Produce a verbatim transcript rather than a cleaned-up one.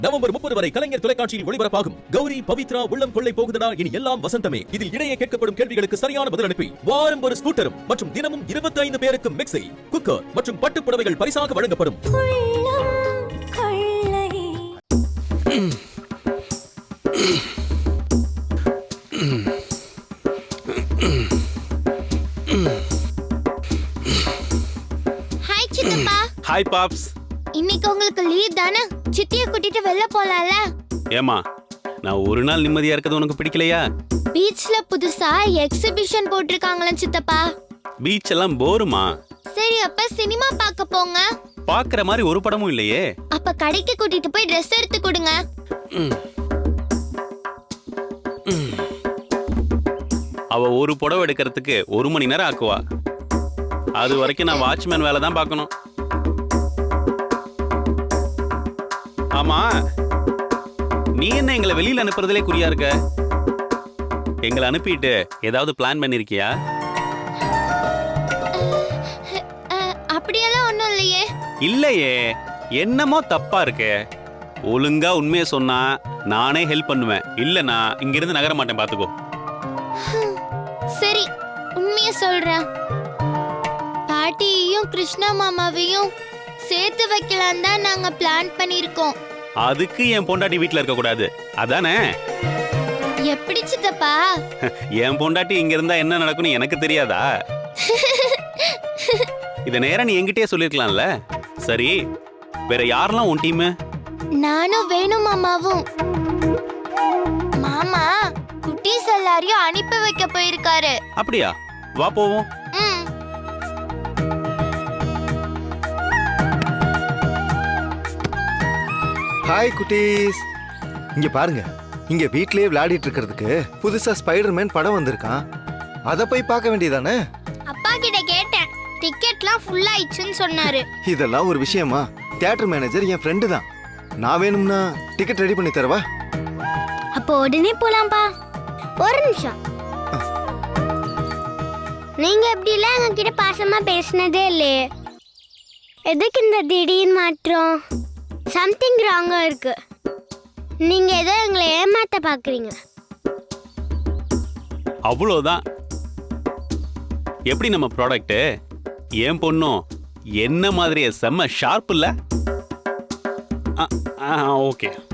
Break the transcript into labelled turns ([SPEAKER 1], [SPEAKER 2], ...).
[SPEAKER 1] November முப்பது வரை கலைஞர் தொலைக்காட்சியில் ஒளிபரப்பாகும் கௌரி பவித்ரா உள்ளம் கொள்ளை போகுதடா இனி எல்லாம் வசந்தமே. இதில் இடையே கேட்கப்படும் கேள்விகளுக்கு சரியான பதில் அனுப்பி வாரம் ஒரு ஸ்கூட்டரும் மற்றும் தினமும் இருபத்தி ஐந்து பேருக்கு மிக்ஸி, குக்கர் மற்றும் பட்டுப் புடவைகள் பரிசாக வழங்கப்படும்.
[SPEAKER 2] ஹாய் சித்தப்பா.
[SPEAKER 3] ஹாய் பாப்ஸ்.
[SPEAKER 2] இன்னைக்கு உங்களுக்கு லீவ் தானே? சித்தியை கூட்டிட்டு வெளில போலாம்ல?
[SPEAKER 3] ஏமா, நான் ஒரு நாள் நிம்மதியா இருக்கிறது உனக்கு பிடிக்கலையா?
[SPEAKER 2] பீச்ல புதுசா எக்ஸிபிஷன் போட்டிருக்காங்களா சித்தப்பா?
[SPEAKER 3] பீச் எல்லாம் போருமா?
[SPEAKER 2] சரி, அப்ப சினிமா பார்க்க போங்க.
[SPEAKER 3] பாக்குற மாதிரி ஒரு படமும் இல்லையே.
[SPEAKER 2] அப்ப கடைக்கு கூட்டிட்டு போய் ட்ரெஸ் எடுத்து கொடுங்க.
[SPEAKER 3] அவ ஒரு புடவை எடுக்கிறதுக்கு ஒரு மணி நேரம் ஆக்குவா. அது வரைக்கும் நான் வாட்ச்மேன் வேலை தான் பார்க்கணும். ஆமா, நீ என்ன எங்களை வெளியில அனுப்புறதுலே குறியா இருக்க? எங்களை அனுப்பிட்டு ஏதாவது பிளான் பண்ணிருக்கியா?
[SPEAKER 2] அப்படியெல்லாம் ஒண்ணும் இல்லையே.
[SPEAKER 3] இல்லையே, என்னமோ தப்பா இருக்கு. ஒழுங்கா உண்மையை சொன்னா நானே ஹெல்ப் பண்ணுவேன். இல்லனா இங்க இருந்து நகர மாட்டேன், பாத்துக்கோ.
[SPEAKER 2] சரி, உண்மையை சொல்றேன். பாட்டியையும் கிருஷ்ணா மாமாவையும் சேர்த்து வைக்கலாம் தான் நாங்க பிளான் பண்ணிருக்கோம்.
[SPEAKER 3] அதுக்கு என் பொண்டாட்டி வீட்ல இருக்க கூடாது, அதானே?
[SPEAKER 2] எப்படி சித்தப்பா?
[SPEAKER 3] என் பொண்டாட்டி இங்க இருந்தா என்ன நடக்கும்னு எனக்கு தெரியாதா? இத நேரா நீ என்கிட்டயே சொல்லிருக்கலாம்ல. சரி, வேற யாரெல்லாம் உன் டீம்?
[SPEAKER 2] நானும் வேணு மாமாவும். மாமா குட்டீஸ் எல்லாரையும் அனுப்பி வைக்க போயிருக்காரு.
[SPEAKER 3] அப்படியா? வா போவோம்.
[SPEAKER 2] ம்.
[SPEAKER 4] ஹாய் குட்டீஸ், இங்க பாருங்க. இங்க வீட்லயே விளையாடிட்டு இருக்கிறதுக்கு புதுசா ஸ்பைடர்மேன் படம் வந்திருக்கான். அத போய் பார்க்க வேண்டியதானே?
[SPEAKER 2] அப்பா கிட்ட கேட்டேன், டிக்கெட்லாம் ஃபுல் ஆயிடுச்சுன்னு சொன்னாரு.
[SPEAKER 4] இதெல்லாம் ஒரு விஷயமா? தியேட்டர் மேனேஜர் என் ஃப்ரெண்டு தான். நான் வேணும்னா டிக்கெட் ரெடி பண்ணி தரவா?
[SPEAKER 2] அப்போ உடனே போலாம்பா. ஒரு நிமிஷம். நீங்க எப்படி எல்லாம் எங்ககிட்ட பாசமா பேசினதே இல்லையே. எதுக்கு இந்த திடீர் மாற்றம்? சம்திங் ராங்கா இருக்கு. நீங்க ஏதோ எங்களை ஏமாத்த பாக்குறீங்க.
[SPEAKER 3] அவ்வளோதான். எப்படி நம்ம ப்ராடக்ட்? என் பொண்ணும் என்ன மாதிரியே செம்ம ஷார்ப் இல்ல? ஓகே.